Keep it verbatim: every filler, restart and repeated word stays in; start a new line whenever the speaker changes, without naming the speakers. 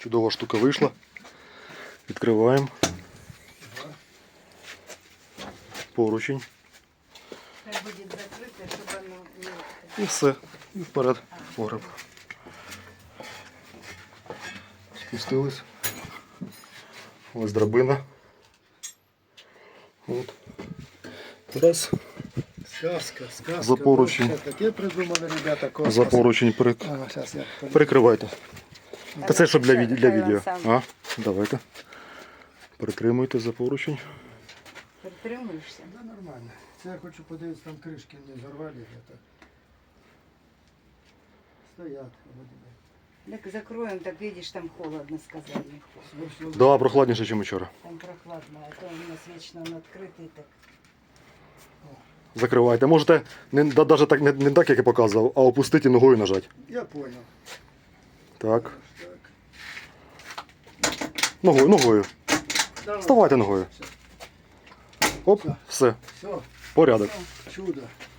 Чудова штука вийшла. Відкриваємо. Поручень.
Хай буде закрите, щоб воно не...
І все. І вперед. Погреб. Спустились. Ось драбина. От. Раз.
Сказка, сказка.
За поручень.
Вообще таке придумали, ребята, космос.
За поручень перек...
Ага, сейчас я...
перекривайте. Та це щоб для, від... для
Хай він
відео.
сам.
А? Давайте. Притримуйте за поручень.
Притримуєшся?
Да, нормально. Це я хочу подивитися, там кришки не зарвали где-то. Стоят.
Так закроем, так видишь, там холодно, сказали.
Все, все.
Да, прохладніше, ніж вчора.
Там прохладно, а то у нас вечно он открытый, так.
Закривайте. Можете не, да, даже так, не, не так, як я показував, а опустити ногою нажати.
Я понял.
Так.
Так.
Ногою, ногою.
Давай.
Вставайте ногою. Оп, все.
Все,
Порядок.
чудо.